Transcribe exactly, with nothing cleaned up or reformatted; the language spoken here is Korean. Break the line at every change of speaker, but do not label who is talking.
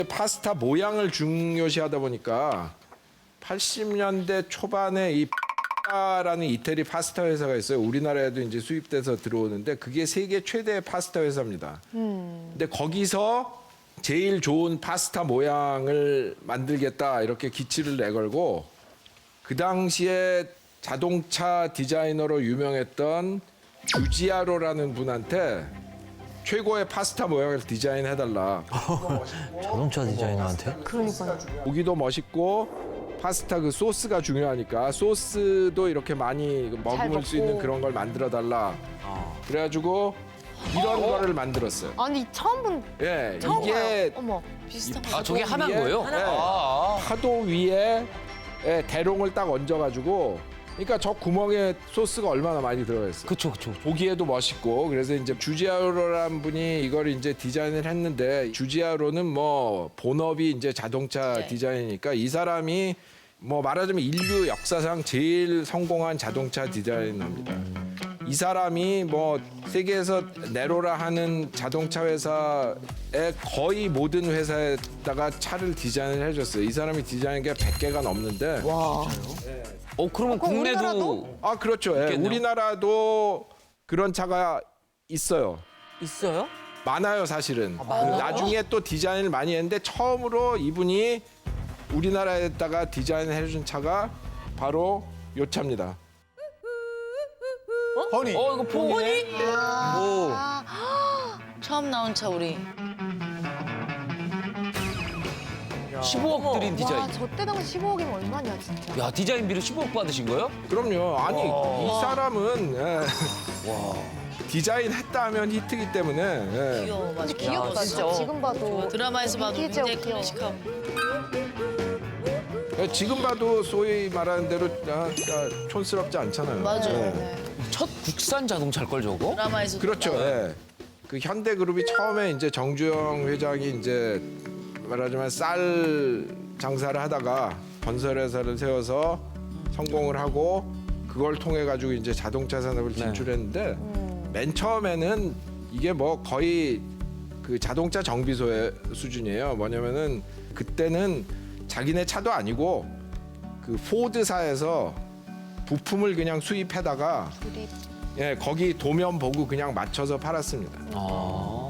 파스타 모양을 중요시하다 보니까 팔십 년대 초반에 이 라는 이태리 파스타 회사가 있어요. 우리나라에도 이제 수입돼서 들어오는데 그게 세계 최대의 파스타 회사입니다. 음. 근데 거기서 제일 좋은 파스타 모양을 만들겠다 이렇게 기치를 내걸고 그 당시에 자동차 디자이너로 유명했던 주지아로라는 분한테 최고의 파스타 모양을 디자인해달라.
자동차 디자이너한테?
그러니까요.
보기도 멋있고 파스타 그 소스가 중요하니까 소스도 이렇게 많이 머금을 수 있는 그런 걸 만들어달라. 그래가지고 이런 거를 만들었어요.
아니 처음 본
예,
처음
이게
봐요. 어머.
비슷한
아, 저게 하나인
위에,
거예요?
예,
아,
파도 위에 예, 대롱을 딱 얹어가지고 그러니까 저 구멍에 소스가 얼마나 많이 들어있어요.
그쵸, 그쵸.
보기에도 멋있고 그래서 이제 주지아로라는 분이 이걸 이제 디자인을 했는데 주지아로는 뭐 본업이 이제 자동차
네.
디자인이니까 이 사람이 뭐 말하자면 인류 역사상 제일 성공한 자동차 디자이너입니다. 이 사람이 뭐 세계에서 네로라 하는 자동차 회사의 거의 모든 회사에다가 차를 디자인을 해줬어요. 이 사람이 디자인한 게 백 개가 넘는데
와.
어, 그러면
그럼
국내도.
우리나라도?
아 그렇죠. 예,
있겠네요.
우리나라도 그런 차가 있어요.
있어요?
많아요, 사실은.
많아요?
나중에 또 디자인을 많이 했는데 처음으로 이분이 우리나라에다가 디자인을 해준 차가 바로 요 차입니다.
허니.
어, 이거 포니? 오.
처음 나온 차 우리.
십오억 들인 디자인.
와, 저 때 당시 십오억이면 얼마냐 진짜.
야, 디자인비로 십오억 받으신 거예요?
그럼요. 아니, 이 사람은 예, 디자인 했다 하면 히트기 때문에 예.
귀여워, 맞아.
근데 귀엽다 진짜. 지금 봐도.
드라마에서 봐도
빈티지하고
굉장히
귀여워.
클래식하고.
예, 지금 봐도 소위 말하는 대로 아, 아, 촌스럽지 않잖아요.
맞아요.
예.
네.
첫 국산 자동차일 걸 저거?
드라마에서
그렇죠. 예. 그 현대그룹이 처음에 이제 정주영 회장이 이제 말하자면 쌀 장사를 하다가 건설회사를 세워서 성공을 하고 그걸 통해 가지고 이제 자동차 산업을 진출했는데 맨 처음에는 이게 뭐 거의 그 자동차 정비소의 수준이에요. 뭐냐면은 그때는 자기네 차도 아니고 그 포드사에서 부품을 그냥 수입해다가
우리
예, 거기 도면 보고 그냥 맞춰서 팔았습니다.
아.